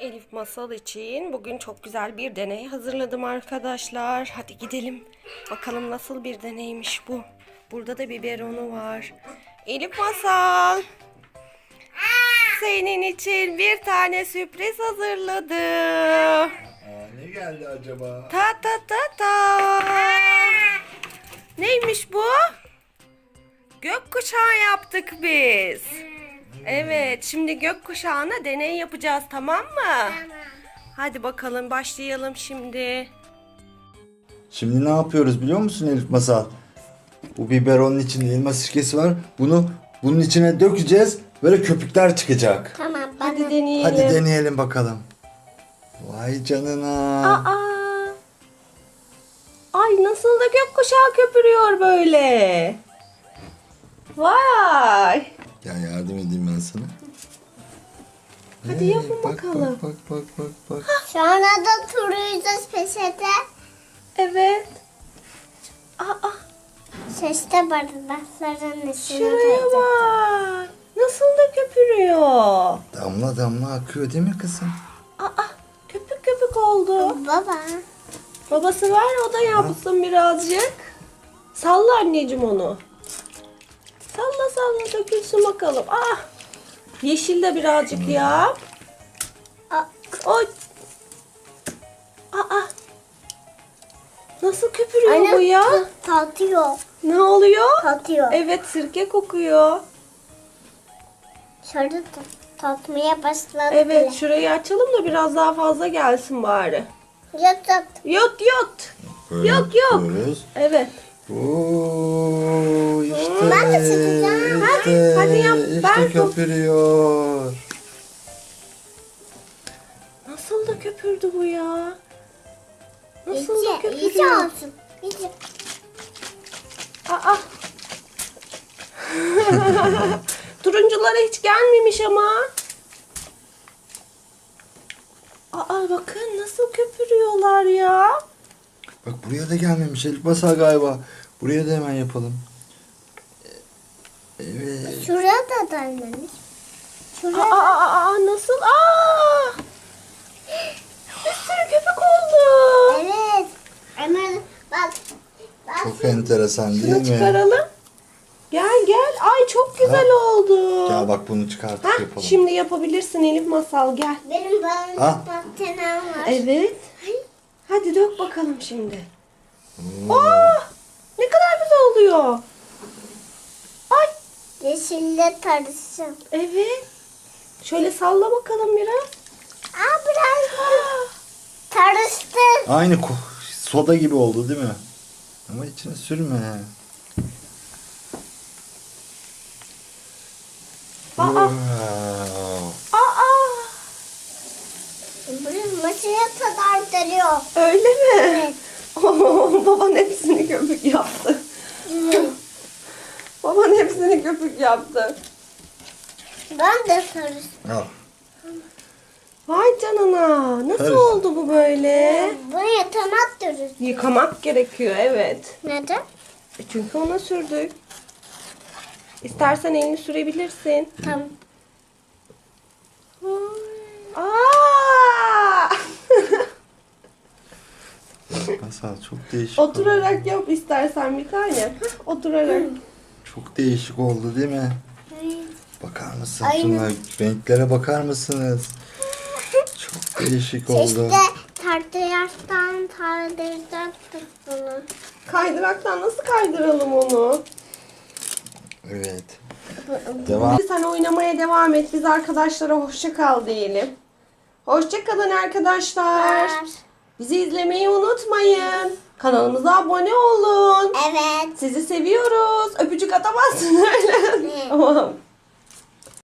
Elif Masal için bugün çok güzel bir deney hazırladım arkadaşlar. Hadi gidelim. Bakalım nasıl bir deneymiş bu. Burada da biberonu var. Elif Masal. Senin için bir tane sürpriz hazırladım. Ne geldi acaba? Ta ta ta ta. Neymiş bu? Gökkuşağı yaptık biz. Evet, şimdi gökkuşağına deney yapacağız, tamam mı? Tamam. Hadi bakalım başlayalım şimdi. Şimdi ne yapıyoruz biliyor musun Elif Masal? Bu biberonun içinde elma sirkesi var. Bunun içine dökeceğiz. Böyle köpükler çıkacak. Tamam. Hadi deneyelim. Hadi deneyelim bakalım. Vay canına. Aa! Ay nasıl da gökkuşağı köpürüyor böyle. Vay! Gel yardım edeyim ben sana. Hadi yapın bak, bakalım. Bak. Sonra da turuyacağız peşete. Evet. Aa! Şeşte bardakların içine Şuraya koyacağız. bak. Nasıl da köpürüyor. Damla damla akıyor değil mi kızım? Aa! Köpük köpük oldu. Baba. Babası var, o da yapsın birazcık. Salla anneciğim onu. Salla dökülsün bakalım. Ah! Yeşil de birazcık yap. Oy. Aa! Nasıl köpürüyor bu ya? Tatıyor. Ne oluyor? Tatıyor. Evet, sirke kokuyor. Şöyle tatmaya başladı Evet, bile. şurayı açalım da biraz daha fazla gelsin bari. Yat. Yot. Böyle Yok. yapıyoruz. Evet. Oo, işte. Ben de çekeceğim. Hadi yap, İşte ben tut. köpürüyor. Nasıl da köpürdü bu ya? Nasıl da İyice köpürüyor? olsun. İyice. Aa. Turunculara hiç gelmemiş ama. Aa bakın nasıl köpürüyorlar ya. Bak buraya da gelmemiş Elif Masal galiba. Buraya da hemen yapalım. Evet. Şuraya da gelmemiş. Şuraya. Nasıl? Bir sürü köpük oldu. Evet. Hemen bak. Çok enteresan değil Şunu mi? çıkaralım. Gel. Ay çok güzel oldu. Gel bak bunu çıkartıp Hah, yapalım. şimdi yapabilirsin Elif Masal, gel. Benim Ha? patenem var. Evet. Hadi dök bakalım şimdi. Oo. Ne kadar güzel oluyor. Ay Yeşille karışım. evet. Şöyle salla bakalım biraz. Biraz karıştı. Aynı soda gibi oldu değil mi? Ama içine sürme. Wow. Burası maçıya kadar geliyor. Öyle mi? Evet. Baban hepsini köpük yaptı. Baban hepsini köpük yaptı. Ben de karıştım. Al. Vay canına. Nasıl Evet. oldu bu böyle? Bunu yatamak diyoruz. Yıkamak gerekiyor, evet. Neden? Çünkü ona sürdük. İstersen elini sürebilirsin. Tamam. Aa! Masal çok değişik. Oturarak yap istersen bir tane. Hah, oturarak. Çok değişik oldu değil mi? Bakar mısın Aynen. şunlar? Renklere bakar mısınız? Çok değişik oldu. İşte tartıyarsan tardıracaktık bunu. Kaydıraktan nasıl kaydıralım onu? Evet. Devam. Sen oynamaya devam et. Biz arkadaşlara hoşça kal diyelim. Hoşça kalın arkadaşlar. Bizi izlemeyi unutmayın. Kanalımıza abone olun. Evet. Sizi seviyoruz. Öpücük atamazsın öyle. Ne? Tamam.